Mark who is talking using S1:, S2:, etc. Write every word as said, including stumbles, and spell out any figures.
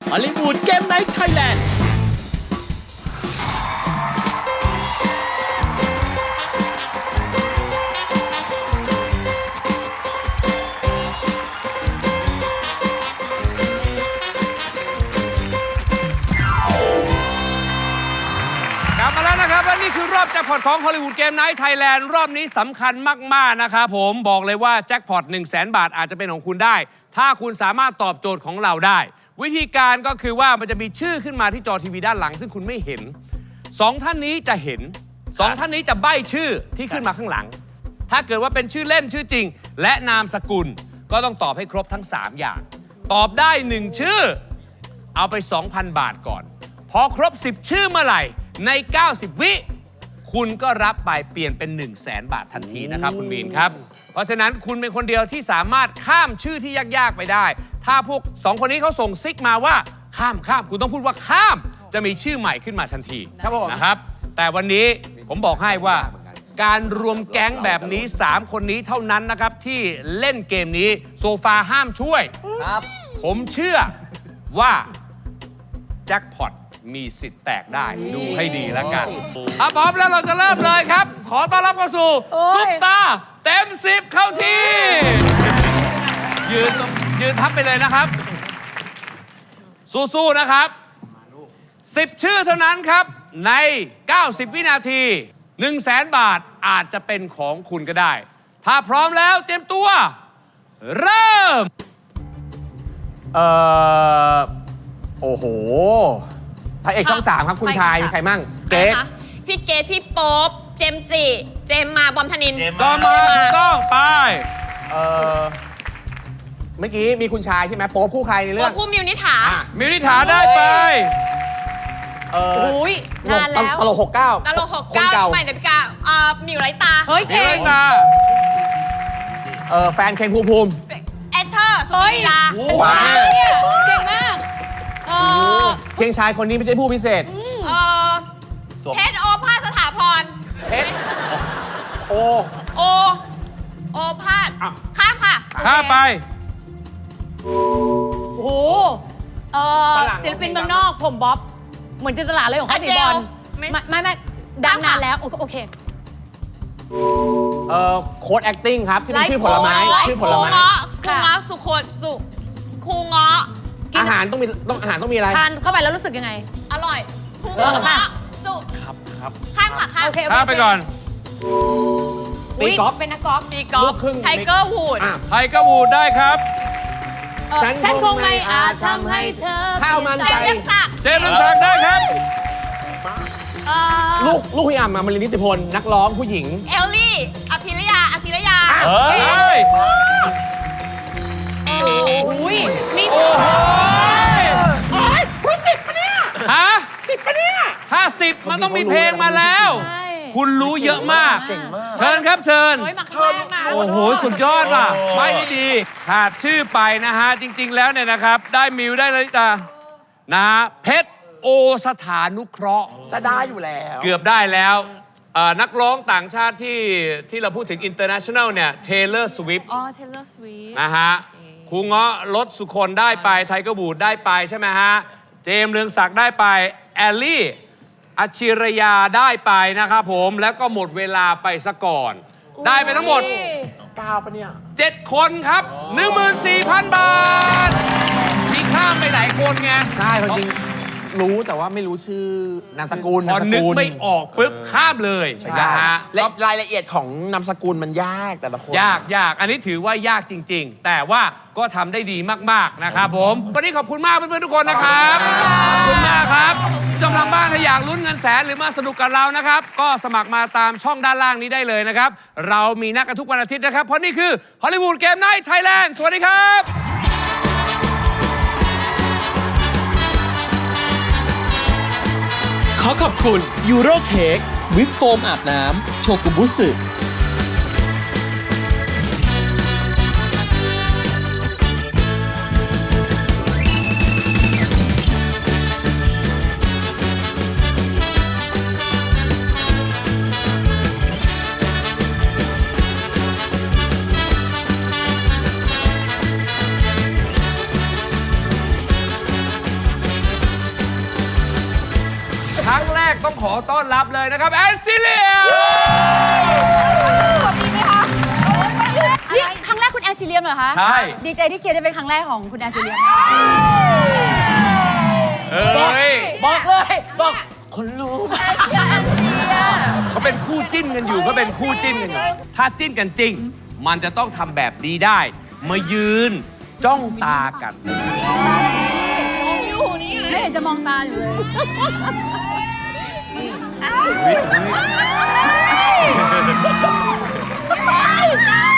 S1: ฮอลลีวูดเกมไนท์ไทยแลนด์
S2: มาแล้วนะครับและนี่คือรอบแจ็คพอตของฮอลลีวูดเกมไนท์ไทยแลนด์รอบนี้สำคัญมากๆนะครับผมบอกเลยว่าแจ็คพอต หนึ่งแสน บาทอาจจะเป็นของคุณได้ถ้าคุณสามารถตอบโจทย์ของเราได้วิธีการก็คือว่ามันจะมีชื่อขึ้นมาที่จอทีวีด้านหลังซึ่งคุณไม่เห็นสองท่านนี้จะเห็นสองท่านนี้จะใบ้ชื่อที่ขึ้นมาข้างหลังถ้าเกิดว่าเป็นชื่อเล่นชื่อจริงและนามสกุลก็ต้องตอบให้ครบทั้งสามอย่างตอบได้หนึ่งชื่อเอาไป สองพัน บาทก่อนพอครบสิบชื่อเมื่อไหร่ในเก้าสิบวิคุณก็รับไปเปลี่ยนเป็น หนึ่งแสน บาททันทีนะครับคุณมีนครับเพราะฉะนั้นคุณเป็นคนเดียวที่สามารถข้ามชื่อที่ยากๆไปได้ถ้าพวกสองคนนี้เขาส่งซิกมาว่าข้ามข้ามคุณต้องพูดว่าข้ามจะมีชื่อใหม่ขึ้นมาทันทีนะครับแต่วันนี้ผมบอกให้ว่าการรวมแก๊งแบบนี้สามคนนี้เท่านั้นนะครับที่เล่นเกมนี้โซฟาห้ามช่วยครับผมเชื่อว่าแจ็คพอตมีสิทธิ์แตกได้ดูให้ดีแล้วกันถ้าพร้อมแล้วเราจะเริ่มเลยครับขอต้อนรับเข้าสู่ซุปตาเต็มสิบเข้าที่ยืนยืนทับไปเลยนะครับสู้ๆนะครับสิบชื่อเท่านั้นครับในเก้าสิบวินาที หนึ่งแสน บาทอาจจะเป็นของคุณก็ได้ถ้าพร้อมแล้วเตรียมตัวเริ่ม
S3: เอ่อโอ้โหพระเอกช่องสามครับคุณชายมีใครมั่งเกรท
S4: พี่เกรทพี่โป๊ปเจมจิเจมมาบอมธนิน
S2: จอมมาถูกต้องไป
S3: เอ่อเมื่อกี้มีคุณชายใช่ไหมโป๊ปคู่ใครในเรื่อง
S4: โป๊ปคู่มิวนิถา
S2: มิวนิถาได้ไป
S3: เออ
S4: โอ้ยนานแล้ว
S3: ตลกหกเก้า
S4: ตลกหกเก้าใหม่เดบิกาอ่ามิวไรตา
S2: เฮ้ยมิวไรตา
S3: เออแฟนเคนภูมิภูมิ
S4: เอเธอร์สุนีลา
S3: ว้าว
S4: เก่งมาก
S3: เพียงชายคนนี้ไม่ใช่ผู้พิเศษ
S4: เออเพชรโอภาสสถาพร
S3: เพชรโอ
S4: โอโอภาสข้ามค่ะ
S2: ข้ามไป
S5: โอ้โหเออศิลปินเมืองนอกผมบ๊อบเหมือนจินตลาเลยของข้าสีบอลไม่ไม่ไม่ดังนานแล้วโอเค
S3: เออโค้ด acting ครับที่เป็นชื่อผลไม้ชื่อผลไม้
S4: ครูเงาะสุโขสุครูเงาะ
S3: อาหารต้องมีต้องอาหารต้องมีอะไร
S5: ทานเข้าไปแล้วรู้สึกยังไง
S4: อร่อยครูเงาะสุ
S3: ครับครับ
S4: ข้ามค่ะข้ามโอเค
S2: ข้ามไปก่อน
S3: ตีกอล์ฟ
S5: เป็นนักกอล์ฟ
S4: ตีกอล์ฟไทเกอร์วูด
S2: ไทเกอร์วูดได้ครับ
S5: ฉันคงไม่อาจทำให้เธอ
S3: ข้าวมันไก่
S2: เจมส์รังสักได้ครับ
S3: ลูกลูกพี่อ่ำมามารินิติพลนักร้องผู้หญิง
S4: เอลลี่อภิรยาอภิรยา
S2: เฮ้ย
S5: โอ้ยมี
S2: โอ้โหโอ้ยคุณสิบปะเนี่ยฮะสิบปะเนี่ยถ้าสิบมันต้องมีเพลงมาแล้วคุณรู้เยอะมากเชิญครับเชิญโอ้โหสุดยอดว่ะไม่ได้ดีขาดชื่อไปนะฮะจริงๆแล้วเนี่ยนะครับได้มิวได้เลยตานะฮะเพชรโอสถานุเคราะห์
S3: จะได้อยู่แล้ว
S2: เกือบได้แล้วนักร้องต่างชาติที่ที่เราพูดถึง international เนี่ย Taylor Swift
S4: อ๋อ Taylor Swift
S2: นะฮะครูเงาะรถสุคนได้ไปไทเกอร์บูดได้ไปใช่ไหมฮะเจมส์เรืองศักดิ์ได้ไปแอลลี่อัจฉิรยาได้ไปนะครับผมแล้วก็หมดเวลาไปซะก่อนได้ไปทั้งหมด
S3: เก้าปะเนี่ย
S2: เจ็ดคนครับ หนึ่งหมื่นสี่พัน บาทมีข้ามไปหลายคนไง
S3: ใช่จริงรู้แต่ว่าไม่รู้ชื่อนามสกุล
S2: พอนึกไม่ออกปุ๊บข้ามเลยนะฮะ
S3: และรายละเอียดของนามสกุลมันยากแต่ละคน
S2: ยากยากอันนี้ถือว่ายากจริงๆแต่ว่าก็ทำได้ดีมากๆนะครับผมวันนี้ขอบคุณมากเพื่อนๆทุกคนนะครับขอบคุณมากครับจำทางบ้านถ้าอยากลุ้นเงินแสนหรือมาสนุกกับเรานะครับก็สมัครมาตามช่องด้านล่างนี้ได้เลยนะครับเรามีนัดกันทุกวันอาทิตย์นะครับเพราะนี่คือฮอลลีวูดเกมไนท์ไทยแลนด์สวัสดีครับ
S1: ขอขอบคุณยูโรเค้กวิปโฟมอาบน้ำโชกุบุสึ
S2: กต้องขอต้อนรับเลยนะครับแอนซิเลีย
S5: นี่ครั้งแรกคุณแอนซิเลียมเหรอคะ
S2: ใช่
S5: ดีใจที่เชียร์ได้เป็นครั้งแรกของคุณแอนซิเลียม
S2: เอ้ย
S1: บอกเลย บอกคนรู้
S2: เขาเป็นคู่จิ้นกันอยู่เขาเป็นคู่จิ้นกันอยู่ถ้าจิ้นกันจริง มันจะต้องทำแบบนี้ได้ มายืนจ้องตากัน
S5: ไม่เห็นจะมองตาอยู่เลย
S2: อุ๊ยอุ๊ย